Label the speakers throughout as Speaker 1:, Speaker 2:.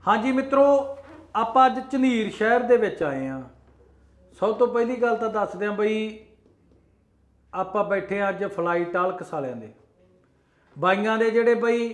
Speaker 1: हाँ जी मित्रों, आप अज झनीर शहर दे विच आए हैं। सब तो पहली गल तो दस दें बई, आप बैठे अज फ्लाइट आलकस वालियां दे बाईयां दे जिहड़े बई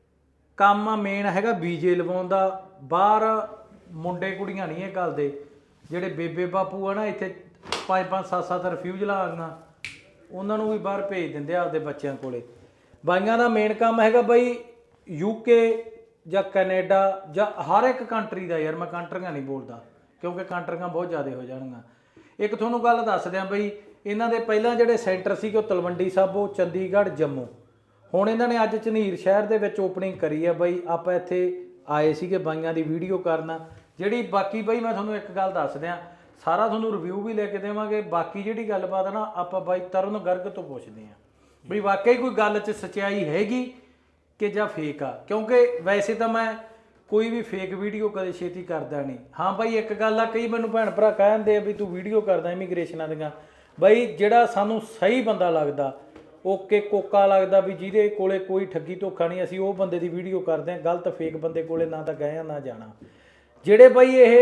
Speaker 1: काम आ मेन हैगा वीजे लवाउण दा। बाहर मुंडे कुड़ियां नहीं है घलदे, जिहड़े बेबे बापू है ना इत्थे 5-5 7-7 रिफ्यूजलां आ गईयां, उन्होंने भी बाहर भेज दिंदे आपदे बच्चों कोले। बाईयां दा मेन काम हैगा बई यूके ਜਾਂ ਕੈਨੇਡਾ ਜਾਂ ਹਰ ਇੱਕ ਕੰਟਰੀ ਦਾ। ਯਾਰ ਮੈਂ ਕੰਟਰੀਆਂ ਨਹੀਂ ਬੋਲਦਾ ਕਿਉਂਕਿ ਕੰਟਰੀਆਂ ਬਹੁਤ ਜ਼ਿਆਦਾ ਹੋ ਜਾਣਗੀਆਂ। ਇੱਕ ਤੁਹਾਨੂੰ ਗੱਲ ਦੱਸ ਦਿਆਂ ਬਈ, ਇਹਨਾਂ ਦੇ ਪਹਿਲਾਂ ਜਿਹੜੇ ਸੈਂਟਰ ਸੀਗੇ ਉਹ ਤਲਵੰਡੀ ਸਾਬੋ, ਚੰਡੀਗੜ੍ਹ, ਜੰਮੂ। ਹੁਣ ਇਹਨਾਂ ਨੇ ਅੱਜ ਝਨੀਰ ਸ਼ਹਿਰ ਦੇ ਵਿੱਚ ਓਪਨਿੰਗ ਕਰੀ ਹੈ ਬਈ। ਆਪਾਂ ਇੱਥੇ ਆਏ ਸੀਗੇ ਬਾਈਆਂ ਦੀ ਵੀਡੀਓ ਕਰਨ। ਜਿਹੜੀ ਬਾਕੀ ਬਈ ਮੈਂ ਤੁਹਾਨੂੰ ਇੱਕ ਗੱਲ ਦੱਸ ਦਿਆਂ, ਸਾਰਾ ਤੁਹਾਨੂੰ ਰਿਵਿਊ ਵੀ ਲੈ ਕੇ ਦੇਵਾਂਗੇ। ਬਾਕੀ ਜਿਹੜੀ ਗੱਲਬਾਤ ਨਾ ਆਪਾਂ ਬਾਈ ਤਰਨ ਗਰਗ ਤੋਂ ਪੁੱਛਦੇ ਹਾਂ ਬਈ ਵਾਕਈ ਕੋਈ ਗੱਲ 'ਚ ਸੱਚਾਈ ਹੈਗੀ कि ਜਾਂ फेक आ। क्योंकि वैसे तो मैं कोई भी फेक वीडियो कदे छेती करता नहीं। हाँ बई एक गल आ, कई मैनू भैन भरा कहते भी तू वीडियो करदा इमीग्रेशनां दियां। बई जिहड़ा सानू सही बंदा लगदा, ओके कोका लगदा भी जिहदे कोले कोई ठगी धोखा नहीं, असीं उह बंदे दी वीडियो करदे हां। गलत फेक बंदे कोले ना तां गए ना जाना। जिहड़े बई ये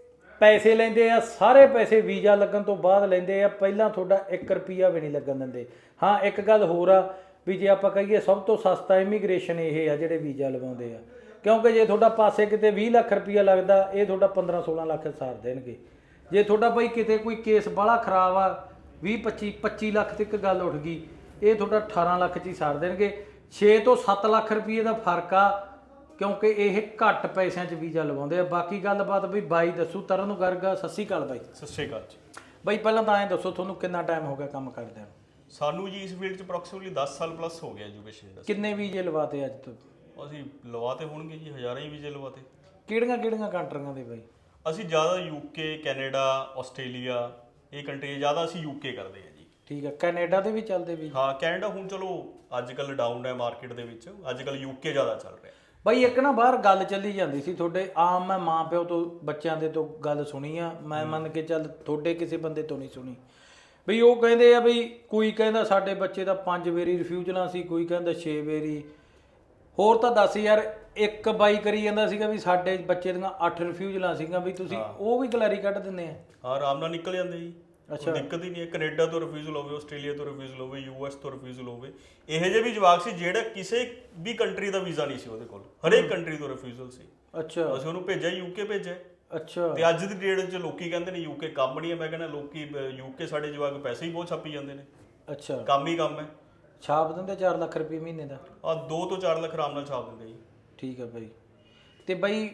Speaker 1: पैसे लैंदे आ, सारे पैसे वीज़ा लगन तो बाद लैंदे आ, पहिलां तुहाडा 1 रुपया भी नहीं लगन दिंदे। हाँ एक गल होर आ भी जे आप कहिए सब तो सस्ता इमीग्रेशन ये है जिहड़े वीज़ा लवाउंदे आ। क्योंकि जे तुहाडा पासे किते 20 लाख रुपया लगदा, ये तुहाडा 15-16 लाख सार देणगे। जे तुहाडा बई किते कोई केस बड़ा खराब आ, 20-25 लाख तक गल उठ गई, ये तुहाडा 18 लाख च ही सार देणगे। 6 ਤੋਂ 7 ਲੱਖ रुपये का फर्क आ, क्योंकि ये घट पैसों च वीज़ा लवाउंदे आ। बाकी गलबात बई बाई दसू तरन गर्ग। सत श्री अकाल बाई।
Speaker 2: सत श्री अकाल जी।
Speaker 1: बई पहलां तां ऐ दसो तुहानूं कितना टाइम हो गया काम करदे?
Speaker 2: ਸਾਨੂੰ ਜੀ ਇਸ ਫੀਲਡ 'ਚ ਅਪਰੋਕਸੀਮੇਟਲੀ 10 ਸਾਲ ਪਲੱਸ ਹੋ ਗਿਆ ਐਜੂਕੇਸ਼ਨ ਦਾ।
Speaker 1: किन्ने वीज़े लवाते अज तक?
Speaker 2: ਅਸੀਂ ਲਵਾਤੇ ਹੋਣਗੇ ਜੀ, ਹਜ਼ਾਰਾਂ ਹੀ ਵੀਜ਼ੇ ਲਵਾਤੇ।
Speaker 1: ਕਿਹੜੀਆਂ ਕੰਟਰੀਆਂ ਦੇ ਬਈ?
Speaker 2: ਅਸੀਂ ਜ਼ਿਆਦਾ ਯੂਕੇ, ਕੈਨੇਡਾ, ਆਸਟ੍ਰੇਲੀਆ, ਇਹ ਕੰਟਰੀ ਜ਼ਿਆਦਾ ਅਸੀਂ ਯੂਕੇ ਕਰਦੇ ਹਾਂ ਜੀ।
Speaker 1: ਠੀਕ ਹੈ। ਕੈਨੇਡਾ ਦੇ ਵੀ ਚੱਲਦੇ ਵੀ?
Speaker 2: ਹਾਂ ਕੈਨੇਡਾ ਹੁਣ ਚਲੋ ਅੱਜ ਕੱਲ੍ਹ ਡਾਊਨ ਹੈ ਮਾਰਕੀਟ ਦੇ ਵਿੱਚ, ਅੱਜ ਕੱਲ੍ਹ ਯੂਕੇ ਜ਼ਿਆਦਾ ਚੱਲ ਰਿਹਾ।
Speaker 1: ਬਈ ਇੱਕ ਨਾ ਬਾਹਰ ਗੱਲ ਚੱਲੀ ਜਾਂਦੀ ਸੀ ਤੁਹਾਡੇ ਆਮ, ਮੈਂ ਮਾਂ ਪਿਓ ਤੋਂ ਬੱਚਿਆਂ ਦੇ ਤੋਂ ਗੱਲ ਸੁਣੀ ਆ, ਮੈਂ ਮੰਨ ਕੇ ਚੱਲ ਤੁਹਾਡੇ ਕਿਸੇ ਬੰਦੇ ਤੋਂ ਨਹੀਂ ਸੁਣੀ। ਬਈ ਉਹ ਕਹਿੰਦੇ ਆ ਬਈ ਕੋਈ ਕਹਿੰਦਾ ਸਾਡੇ ਬੱਚੇ ਦਾ 5 ਵਾਰੀ ਰਿਫਿਊਜ਼ਲਾਂ ਸੀ, ਕੋਈ ਕਹਿੰਦਾ 6 ਵਾਰੀ। ਹੋਰ ਤਾਂ ਦੱਸ ਯਾਰ। ਇੱਕ ਬਾਈ ਕਰੀ ਜਾਂਦਾ ਸੀਗਾ ਵੀ ਸਾਡੇ ਬੱਚੇ ਦੀਆਂ 8 ਰਿਫਿਊਜ਼ਲਾਂ ਸੀਗੀਆਂ, ਵੀ ਤੁਸੀਂ ਉਹ ਵੀ ਗਲੈਰੀ ਕੱਢ ਦਿੰਦੇ ਆ?
Speaker 2: ਹਾਂ ਆਰਾਮ ਨਾਲ ਨਿਕਲ ਜਾਂਦੇ ਜੀ। ਅੱਛਾ ਦਿੱਕਤ ਹੀ ਨਹੀਂ ਹੈ। ਕੈਨੇਡਾ ਤੋਂ ਰਿਫਿਊਜ਼ਲ ਹੋਵੇ, ਆਸਟ੍ਰੇਲੀਆ ਤੋਂ ਰਿਫਿਊਜ਼ਲ ਹੋਵੇ, US ਤੋਂ ਰਿਫਿਊਜ਼ਲ ਹੋਵੇ। ਇਹੋ ਜਿਹੇ ਵੀ ਜਵਾਕ ਸੀ ਜਿਹੜਾ ਕਿਸੇ ਵੀ ਕੰਟਰੀ ਦਾ ਵੀਜ਼ਾ ਨਹੀਂ ਸੀ ਉਹਦੇ ਕੋਲ, ਹਰੇਕ ਕੰਟਰੀ ਤੋਂ ਰਿਫਿਊਜ਼ਲ ਸੀ। ਅੱਛਾ ਅਸੀਂ ਉਹਨੂੰ ਭੇਜਿਆ ਯੂਕੇ ਭੇਜਿਆ। ਅੱਛਾ ਤੇ ਅੱਜ ਦੀ ਡੇਟ 'ਚ ਲੋਕੀ ਕਹਿੰਦੇ ਨੇ ਯੂਕੇ ਕੰਮ ਨਹੀਂ ਹੈ। ਮੈਂ ਕਹਿੰਦਾ ਲੋਕੀ ਯੂਕੇ ਸਾਡੇ ਜਵਾਕ ਪੈਸੇ ਹੀ ਬਹੁਤ ਛਾਪੀ ਜਾਂਦੇ ਨੇ। ਅੱਛਾ ਕੰਮ ਹੀ ਕੰਮ ਹੈ। ਛਾਪ ਦਿੰਦੇ 4 ਲੱਖ ਰੁਪਏ ਮਹੀਨੇ ਦਾ? 2 ਤੋਂ 4 ਲੱਖ ਆਰਾਮ ਨਾਲ ਛਾਪ ਦਿੰਦੇ ਜੀ। ਠੀਕ ਹੈ ਬਾਈ। ਤੇ ਬਾਈ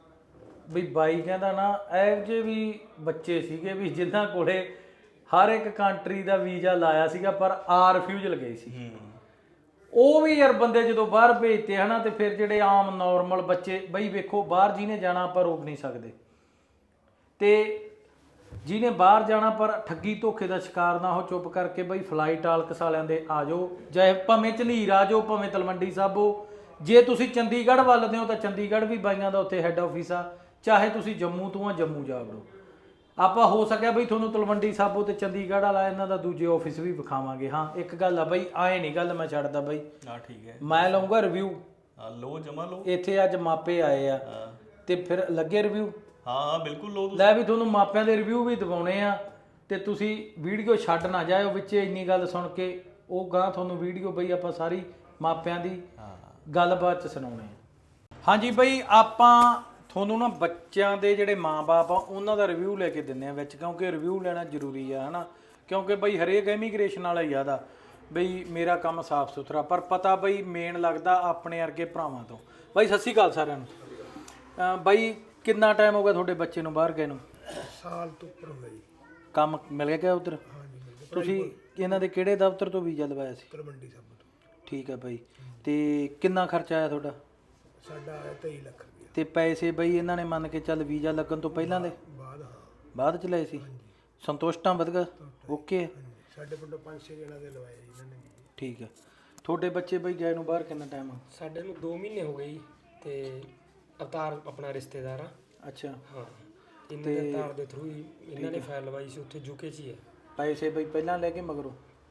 Speaker 2: ਬਾਈ ਕਹਿੰਦਾ ਨਾ ਇਹੋ ਜਿਹੇ ਵੀ ਬੱਚੇ ਸੀਗੇ ਵੀ ਜਿਨ੍ਹਾਂ ਕੋਲੇ ਹਰ ਇੱਕ ਕੰਟਰੀ ਦਾ ਵੀਜ਼ਾ ਲਾਇਆ ਸੀਗਾ ਪਰ ਰਿਫਿਊਜ਼ਲ ਗਏ ਸੀ। ਉਹ ਵੀ ਯਾਰ ਬੰਦੇ ਜਦੋਂ ਬਾਹਰ ਭੇਜਤੇ ਹਨਾ, ਤੇ ਫਿਰ ਜਿਹੜੇ ਆਮ ਨੋਰਮਲ ਬੱਚੇ ਬਈ ਵੇਖੋ ਬਾਹਰ ਜਿਹਨੇ ਜਾਣਾ ਆਪਾਂ ਰੋਕ ਨਹੀਂ ਸਕਦੇ, ਤੇ ਜਿਹਨੇ ਬਾਹਰ ਜਾਣਾ ਪਰ ਠੱਗੀ ਧੋਖੇ ਦਾ ਸ਼ਿਕਾਰ ਨਾ ਹੋ, ਚੁੱਪ ਕਰਕੇ ਬਈ ਫਲਾਈਟ ਆਲਕਸ ਵਾਲਿਆਂ ਦੇ ਆ ਜਾਓ, ਚਾਹੇ ਭਾਵੇਂ ਝਨੀਰ ਆ ਜਾਓ, ਭਾਵੇਂ ਤਲਵੰਡੀ ਸਾਬੋ। ਜੇ ਤੁਸੀਂ ਚੰਡੀਗੜ੍ਹ ਵੱਲ ਦੇ ਹੋ ਤਾਂ ਚੰਡੀਗੜ੍ਹ ਵੀ ਬਾਈਆਂ ਦਾ ਉੱਥੇ ਹੈੱਡ ਆਫਿਸ ਆ, ਚਾਹੇ ਤੁਸੀਂ ਜੰਮੂ ਤੋਂ ਆ ਜੰਮੂ ਜਾ ਵੜੋ। ਆਪਾਂ ਹੋ ਸਕਿਆ ਬਈ ਤੁਹਾਨੂੰ ਤਲਵੰਡੀ ਸਾਬੋ ਤੇ ਚੰਡੀਗੜ੍ਹ ਵਾਲਾ ਇਹਨਾਂ ਦਾ ਦੂਜੇ ਆਫਿਸ ਵੀ ਵਿਖਾਵਾਂਗੇ। ਹਾਂ ਇੱਕ ਗੱਲ ਆ ਬਈ, ਆਏ ਨਹੀਂ ਗੱਲ ਮੈਂ ਛੱਡਦਾ ਬਈ। ਹਾਂ ਠੀਕ ਹੈ, ਮੈਂ ਲਊਂਗਾ ਰਿਵਿਊ। ਲਓ ਜਮਾ ਲਓ। ਇੱਥੇ ਅੱਜ ਮਾਪੇ ਆਏ ਆ ਤੇ ਫਿਰ ਲੱਗੇ ਰਿਵਿਊ? ਹਾਂ ਬਿਲਕੁਲ ਲਓ। ਲੈ ਵੀ ਤੁਹਾਨੂੰ ਮਾਪਿਆਂ ਦੇ ਰਿਵਿਊ ਵੀ ਦਿਵਾਉਣੇ ਆ, ਤੇ ਤੁਸੀਂ ਵੀਡੀਓ ਛੱਡ ਨਾ ਜਾਇਓ ਵਿੱਚ ਇੰਨੀ ਗੱਲ ਸੁਣ ਕੇ। ਉਹ ਗਾਂ ਤੁਹਾਨੂੰ ਵੀਡੀਓ ਬਈ ਆਪਾਂ ਸਾਰੀ ਮਾਪਿਆਂ ਦੀ ਗੱਲਬਾਤ 'ਚ ਸੁਣਾਉਣੇ ਆ। ਹਾਂਜੀ ਬਈ ਆਪਾਂ ਤੁਹਾਨੂੰ ਨਾ ਬੱਚਿਆਂ ਦੇ ਜਿਹੜੇ ਮਾਂ-ਬਾਪ ਆ ਉਹਨਾਂ ਦਾ ਰਿਵਿਊ ਲੈ ਕੇ ਦਿੰਦੇ ਆ ਵਿੱਚ, ਕਿਉਂਕਿ ਰਿਵਿਊ ਲੈਣਾ ਜ਼ਰੂਰੀ ਆ ਹਨਾ। ਕਿਉਂਕਿ ਬਈ ਹਰੇਕ ਇਮੀਗ੍ਰੇਸ਼ਨ ਵਾਲਾ ਹੀ ਆਦਾ ਬਈ ਮੇਰਾ ਕੰਮ ਸਾਫ਼ ਸੁਥਰਾ, ਪਰ ਪਤਾ ਬਈ ਮੇਨ ਲੱਗਦਾ ਆਪਣੇ ਵਰਗੇ ਭਰਾਵਾਂ ਤੋਂ। ਬਾਈ ਸਤਿ ਸ਼੍ਰੀ ਅਕਾਲ ਸਾਰਿਆਂ ਨੂੰ। ਬਾਈ ਕਿੰਨਾ ਟਾਈਮ ਹੋ ਗਿਆ ਤੁਹਾਡੇ ਬੱਚੇ ਨੂੰ ਬਾਹਰ ਗਏ ਨੂੰ?
Speaker 3: ਸਾਲ ਤੋਂ ਉੱਪਰ ਹੋ ਗਿਆ ਜੀ।
Speaker 1: ਕੰਮ ਮਿਲ ਗਿਆ ਉੱਧਰ?
Speaker 3: ਹਾਂਜੀ ਮਿਲ ਗਿਆ।
Speaker 1: ਤੁਸੀਂ ਇਹਨਾਂ ਦੇ ਕਿਹੜੇ ਦਫ਼ਤਰ ਤੋਂ ਵੀਜ਼ਾ ਲਵਾਇਆ ਸੀ?
Speaker 3: ਤਲਵੰਡੀ ਸਾਬੋ ਤੋਂ।
Speaker 1: ਠੀਕ ਹੈ ਬਾਈ। ਤੇ ਕਿੰਨਾ ਖਰਚਾ ਆਇਆ ਤੁਹਾਡਾ?
Speaker 3: ਸਾਡਾ ਆਇਆ 23 ਲੱਖ ਰੁਪਇਆ।
Speaker 1: ਤੇ ਪੈਸੇ ਬਈ ਇਹਨਾਂ ਨੇ ਮੰਨ ਕੇ ਚੱਲ ਵੀਜ਼ਾ ਲੱਗਣ ਤੋਂ ਪਹਿਲਾਂ ਦੇ
Speaker 3: ਬਾਅਦ? ਹਾਂ
Speaker 1: ਬਾਅਦ ਚ ਲਏ ਸੀ। ਸੰਤੁਸ਼ਟ ਆ? ਵਧੀਆ ਓਕੇ।
Speaker 3: ਸਾਡੇ ਪਿੰਡੋਂ 5-6 ਜਣਾਂ ਦੇ ਲਵਾਏ ਜੀ ਇਹਨਾਂ ਨੇ।
Speaker 1: ਠੀਕ ਹੈ। ਤੁਹਾਡੇ ਬੱਚੇ ਬਈ ਗਏ ਨੂੰ ਬਾਹਰ ਕਿੰਨਾ ਟਾਈਮ ਆ?
Speaker 4: ਸਾਡੇ ਨੂੰ 2 ਮਹੀਨੇ ਹੋ ਗਏ ਜੀ। ਤੇ ਅਵਤਾਰ ਆਪਣਾ ਰਿਸ਼ਤੇਦਾਰ ਆ।
Speaker 1: ਅੱਛਾ
Speaker 4: ਹਾਂ ਇਹਨਾਂ ਦੇ ਅਵਤਾਰ ਦੇ ਥਰੂ ਹੀ ਇਹਨਾਂ ਨੇ ਫਾਈਲ ਲਵਾਈ ਸੀ ਉੱਥੇ ਯੂਕੇ 'ਚ ਹੀ ਹੈ।
Speaker 1: ਪੈਸੇ ਬਈ ਪਹਿਲਾਂ ਲੈ ਕੇ ਮਗਰੋਂ?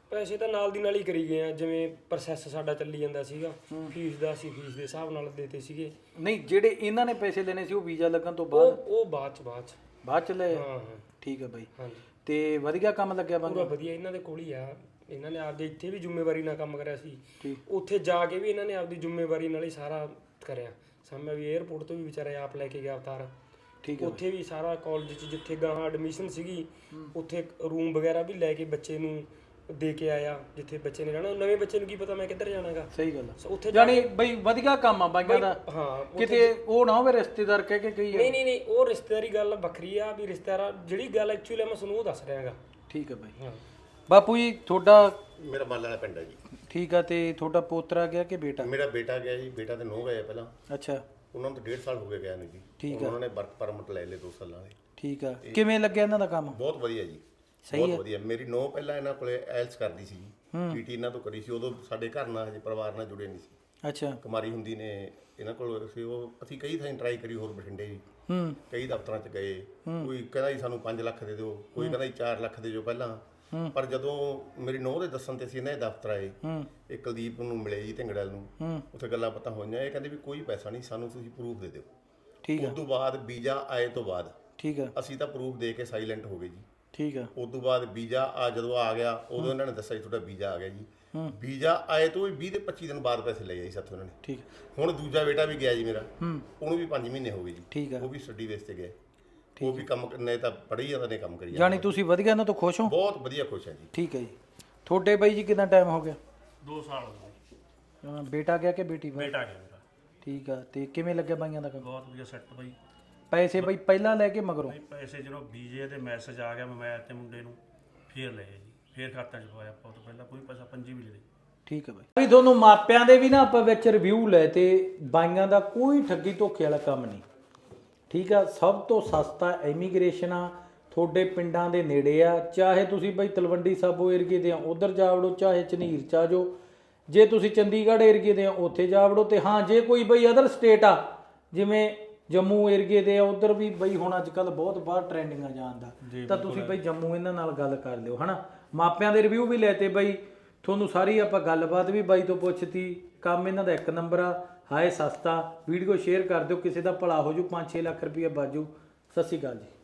Speaker 4: ਪੈਸੇ ਤਾਂ ਨਾਲ ਦੀ ਨਾਲ ਹੀ ਕਰੀ ਗਏ ਆ, ਜਿਵੇਂ ਪ੍ਰੋਸੈਸ ਸਾਡਾ ਚੱਲੀ ਜਾਂਦਾ ਸੀਗਾ, ਫੀਸ ਦਾ ਅਸੀਂ ਫੀਸ ਦੇ ਹਿਸਾਬ ਨਾਲ ਦੇਤੇ ਸੀਗੇ।
Speaker 1: ਨਹੀਂ ਜਿਹੜੇ ਇਹਨਾਂ ਨੇ ਪੈਸੇ ਲੈਣੇ ਸੀ ਉਹ ਵੀਜ਼ਾ ਲੱਗਣ ਤੋਂ ਬਾਅਦ
Speaker 4: ਉਹ ਬਾਅਦ ਚ
Speaker 1: ਲਏ?
Speaker 4: ਹਾਂ।
Speaker 1: ਠੀਕ ਹੈ ਬਾਈ।
Speaker 4: ਹਾਂਜੀ
Speaker 1: ਤੇ ਵਧੀਆ ਕੰਮ ਲੱਗਿਆ
Speaker 4: ਪੂਰਾ
Speaker 1: ਬਾਂਗਾ?
Speaker 4: ਵਧੀਆ, ਇਹਨਾਂ ਦੇ ਕੋਲ ਹੀ ਆ। ਇਹਨਾਂ ਨੇ ਆਪਦੇ ਇੱਥੇ ਵੀ ਜ਼ਿੰਮੇਵਾਰੀ ਨਾਲ ਕੰਮ ਕਰਿਆ ਸੀ,
Speaker 1: ਠੀਕ।
Speaker 4: ਉੱਥੇ ਜਾ ਕੇ ਵੀ ਇਹਨਾਂ ਨੇ ਆਪਦੀ ਜ਼ਿੰਮੇਵਾਰੀ ਨਾਲ ਹੀ ਸਾਰਾ ਕਰਿਆ। ਸਾਹਮਣੇ ਵੀ 에ਅਰਪੋਰਟ ਤੋਂ ਵੀ ਵਿਚਾਰੇ ਆਪ ਲੈ ਕੇ ਗਿਆ ਅਵਤਾਰ।
Speaker 1: ਠੀਕ ਹੈ
Speaker 4: ਉੱਥੇ ਵੀ ਸਾਰਾ ਕਾਲਜ 'ਚ ਜਿੱਥੇ ਗਾਹਾਂ ਐਡਮਿਸ਼ਨ ਸੀਗੀ, ਉੱਥੇ ਰੂਮ ਵਗੈਰਾ ਵੀ ਲੈ ਕੇ ਬੱਚੇ ਨੂੰ ਦੇ ਕੇ ਆਇਆ, ਜਿੱਥੇ ਬੱਚੇ ਨੇ ਰਹਿਣਾ। ਨਵੇਂ ਬੱਚੇ ਨੂੰ ਕੀ ਪਤਾ ਮੈਂ ਕਿੱਧਰ ਜਾਣਾਗਾ।
Speaker 1: ਸਹੀ ਗੱਲ ਆ।
Speaker 4: ਉੱਥੇ
Speaker 1: ਜਾਨੀ ਬਈ ਵਧੀਆ ਕੰਮ ਆ ਬਾਈਆਂ ਦਾ।
Speaker 4: ਹਾਂ
Speaker 1: ਕਿਤੇ ਉਹ ਨਾ ਹੋਵੇ ਰਿਸ਼ਤੇਦਾਰ ਕਹਿ ਕੇ ਕਹੀ
Speaker 4: ਨਹੀਂ ਉਹ ਰਿਸ਼ਤੇਦਾਰੀ ਗੱਲ ਵੱਖਰੀ ਆ ਵੀ ਰਿਸ਼ਤੇਦਾਰ ਜਿਹੜੀ ਗੱਲ ਐਕਚੁਅਲੀ ਮੈਂ ਤੁਹਾਨੂੰ ਉਹ ਦੱਸ ਰਿਹਾਗਾ।
Speaker 1: ਠੀਕ ਹੈ ਬਾਈ।
Speaker 4: ਹਾਂ
Speaker 1: ਬਾਪੂ ਜੀ ਤੁਹਾਡਾ
Speaker 5: ਮੇਰਾ ਮੱਲ ਵਾਲਾ ਪਿੰਡ ਹੈ ਜੀ।
Speaker 1: ਠੀਕ ਆ। ਤੇ ਤੁਹਾਡਾ ਪੋਤਰਾ ਗਿਆ ਕਿ ਬੇਟਾ?
Speaker 5: ਮੇਰਾ ਬੇਟਾ ਗਿਆ ਜੀ, ਬੇਟਾ ਤੇ ਨੂੰਹ ਗਏ ਪਹਿਲਾਂ।
Speaker 1: ਅੱਛਾ
Speaker 5: ਉਹਨਾਂ ਨੂੰ ਤਾਂ 1.5 ਸਾਲ ਹੋ ਗਏ ਗਿਆ ਨੂੰ ਜੀ।
Speaker 1: ਠੀਕ
Speaker 5: ਉਹਨਾਂ ਨੇ ਵਰਕ ਪਰਮਿਟ ਲੈ ਲਏ 2 ਸਾਲਾਂ ਦੇ।
Speaker 1: ਠੀਕ ਆ। ਕਿਵੇਂ ਲੱਗਿਆ ਇਹਨਾਂ ਦਾ ਕੰਮ?
Speaker 5: ਬਹੁਤ ਵਧੀਆ ਜੀ, ਬਹੁਤ ਵਧੀਆ। ਮੇਰੀ ਨੂੰਹ ਪਹਿਲਾਂ ਇਹਨਾਂ ਕੋਲੇ ਐਲਸ ਕਰਦੀ ਸੀ ਜੀ, ਟੀਟੀ ਇਹਨਾਂ ਤੋਂ ਕਰੀ ਸੀ। ਉਦੋਂ ਸਾਡੇ ਘਰ ਨਾਲ ਹਜੇ ਪਰਿਵਾਰ ਨਾਲ ਜੁੜੇ ਨਹੀਂ ਸੀ।
Speaker 1: ਅੱਛਾ।
Speaker 5: ਕੁਮਾਰੀ ਹੁੰਦੀ ਨੇ ਇਹਨਾਂ ਕੋਲ ਸੀ। ਉਹ ਅਸੀਂ ਕਈ ਥਾਂ ਟਰਾਈ ਕਰੀ, ਹੋਰ ਬਠਿੰਡੇ ਜੀ ਕਈ ਦਫ਼ਤਰਾਂ 'ਚ ਗਏ। ਕੋਈ ਕਹਿੰਦਾ ਜੀ ਸਾਨੂੰ 5 ਲੱਖ ਦੇ ਦਿਓ, ਕੋਈ ਕਹਿੰਦਾ ਜੀ 4 ਲੱਖ ਦੇ ਦਿਓ ਪਹਿਲਾਂ। ਪਰ ਜਦੋਂ ਮੇਰੀ ਨੂੰਹ ਦੇ ਦੱਸਣ ਤੇ ਸੀ ਇਹਨਾਂ ਦੇ ਦਫ਼ਤਰ ਆਏ, ਇਹ ਕੁਲਦੀਪ ਨੂੰ ਮਿਲੇ ਜੀ ਢਿੰਗੜਲ ਨੂੰ, ਉੱਥੇ ਗੱਲਾਂ ਪਤਾ ਹੋਈਆਂ। ਇਹ ਕਹਿੰਦੇ ਵੀ ਕੋਈ ਪੈਸਾ ਨਹੀਂ, ਸਾਨੂੰ ਤੁਸੀਂ ਪ੍ਰੂਫ ਦੇ ਦਿਓ।
Speaker 1: ਠੀਕ ਆ।
Speaker 5: ਉਸ ਤੋਂ ਬਾਅਦ ਵੀਜ਼ਾ ਆਏ ਤੋਂ ਬਾਅਦ
Speaker 1: ਠੀਕ ਆ।
Speaker 5: ਅਸੀਂ ਤਾਂ ਪ੍ਰੂਫ ਦੇ ਕੇ ਸਾਇਲੈਂਟ ਹੋ ਗਏ ਜੀ।
Speaker 1: ਠੀਕ ਆ।
Speaker 5: ਉਸ ਤੋਂ ਬਾਅਦ ਵੀਜ਼ਾ ਜਦੋਂ ਆ ਗਿਆ, ਉਦੋਂ ਇਹਨਾਂ ਨੇ ਦੱਸਿਆ ਜੀ ਤੁਹਾਡਾ ਵੀਜ਼ਾ ਆ ਗਿਆ ਜੀ। ਵੀਜ਼ਾ ਆਏ ਤੋਂ ਵੀ 20 ਤੇ 25 ਦਿਨ ਬਾਅਦ ਪੈਸੇ ਲਏ ਜੀ ਸਾਥੋਂ ਇਹਨਾਂ ਨੇ।
Speaker 1: ਠੀਕ।
Speaker 5: ਹੁਣ ਦੂਜਾ ਬੇਟਾ ਵੀ ਗਿਆ ਜੀ ਮੇਰਾ, ਉਹਨੂੰ ਵੀ 5 ਮਹੀਨੇ ਹੋ ਗਏ ਜੀ।
Speaker 1: ਠੀਕ ਆ।
Speaker 5: ਉਹ ਵੀ ਸਟੱਡੀ ਬੇਸ ਤੇ ਗਿਆ। ਉਹ ਵੀ ਕੰਮ ਨੇ ਤਾਂ ਪੜ੍ਹੀ ਜਾਂਦਾ ਨੇ ਕੰਮ ਕਰੀ ਜਾਂਦਾ।
Speaker 1: ਜਾਨੀ ਤੁਸੀਂ ਵਧੀਆ ਇਹਨਾਂ ਤੋਂ ਖੁਸ਼ ਹੋ?
Speaker 5: ਬਹੁਤ ਵਧੀਆ, ਖੁਸ਼ ਹੈ ਜੀ।
Speaker 1: ਠੀਕ ਹੈ ਜੀ। ਤੁਹਾਡੇ ਬਾਈ ਜੀ ਕਿੰਨਾ ਟਾਈਮ ਹੋ ਗਿਆ?
Speaker 2: 2 ਸਾਲ ਹੋ ਗਏ।
Speaker 1: ਬੇਟਾ ਗਿਆ ਕਿ ਬੇਟੀ?
Speaker 2: ਬੇਟਾ ਗਿਆ ਮੇਰਾ।
Speaker 1: ਠੀਕ ਆ। ਤੇ ਕਿਵੇਂ ਲੱਗਿਆ ਬਾਈਆਂ ਦਾ ਕੰਮ?
Speaker 2: ਬਹੁਤ ਵਧੀਆ ਸੈੱਟ ਬਾਈ।
Speaker 1: ਪੈਸੇ ਬਾਈ ਪਹਿਲਾਂ ਲੈ ਕੇ ਮਗਰੋਂ?
Speaker 2: ਬਾਈ ਪੈਸੇ ਜਦੋਂ ਵੀਜ਼ੇ ਤੇ ਮੈਸੇਜ ਆ ਗਿਆ ਮੋਬਾਈਲ ਤੇ ਮੁੰਡੇ ਨੂੰ, ਫੇਰ ਲਏ ਜੀ, ਫੇਰ ਖਾਤਾ 'ਚ ਪਵਾਇਆ। ਆਪਾਂ ਤੋਂ ਪਹਿਲਾਂ ਕੋਈ ਪੈਸਾ ਪੰਜੀ ਵੀ ਨਹੀਂ ਦੇ।
Speaker 1: ਠੀਕ ਹੈ ਬਾਈ। ਤੁਹਾਨੂੰ ਮਾਪਿਆਂ ਦੇ ਵੀ ਨਾ ਆਪਾਂ ਵਿੱਚ ਰਿਵਿਊ ਲੈ ਤੇ ਬਾਈਆਂ ਦਾ ਕੋਈ ਠੱਗੀ ਧੋਖੇ ਵਾਲਾ ਕੰਮ ਨਹੀਂ। ਠੀਕ ਆ। ਸਭ ਤੋਂ ਸਸਤਾ ਇਮੀਗ੍ਰੇਸ਼ਨ ਆ, ਤੁਹਾਡੇ ਪਿੰਡਾਂ ਦੇ ਨੇੜੇ ਆ। ਚਾਹੇ ਤੁਸੀਂ ਬਾਈ ਤਲਵੰਡੀ ਸਾਬੋ ਏਰੀਏ ਦੇ ਆ ਉਧਰ ਜਾ ਵੜੋ, ਚਾਹੇ ਝਨੀਰ ਚ ਆ ਜਾਓ। ਜੇ ਤੁਸੀਂ ਚੰਡੀਗੜ੍ਹ ਏਰੀਏ ਦੇ ਆ ਉੱਥੇ ਜਾ ਵੜੋ। ਤੇ ਹਾਂ ਜੇ ਕੋਈ ਬਈ ਅਦਰ ਸਟੇਟ ਆ ਜਿਵੇਂ ਜੰਮੂ ਏਰੀਏ ਦੇ ਆ ਉਧਰ ਵੀ ਬਈ ਹੁਣ ਅੱਜ ਕੱਲ ਬਹੁਤ ਬਾਹਰ ਟ੍ਰੈਂਡਿੰਗ ਆ ਜਾਣ ਦਾ, ਤਾਂ ਤੁਸੀਂ ਬਈ ਜੰਮੂ ਇਹਨਾਂ ਨਾਲ ਗੱਲ ਕਰ ਲਿਓ ਹਨਾ। ਮਾਪਿਆਂ ਦੇ ਰਿਵਿਊ ਵੀ ਲੈ ਤੇ ਬਈ ਤੁਹਾਨੂੰ ਸਾਰੀ ਆਪਾਂ ਗੱਲਬਾਤ ਵੀ ਬਾਈ ਤੋਂ ਪੁੱਛਤੀ। ਕੰਮ ਇਹਨਾਂ ਦਾ 1 ਨੰਬਰ ਆ, ਹਾਏ ਸਸਤਾ। ਵੀਡੀਓ ਸ਼ੇਅਰ ਕਰ ਦਿਓ, ਕਿਸੇ ਦਾ ਭਲਾ ਹੋ ਜੂ, 5-6 ਲੱਖ ਰੁਪਏ ਬਾਜੂ। ਸਤਿ ਸ਼੍ਰੀ ਅਕਾਲ ਜੀ।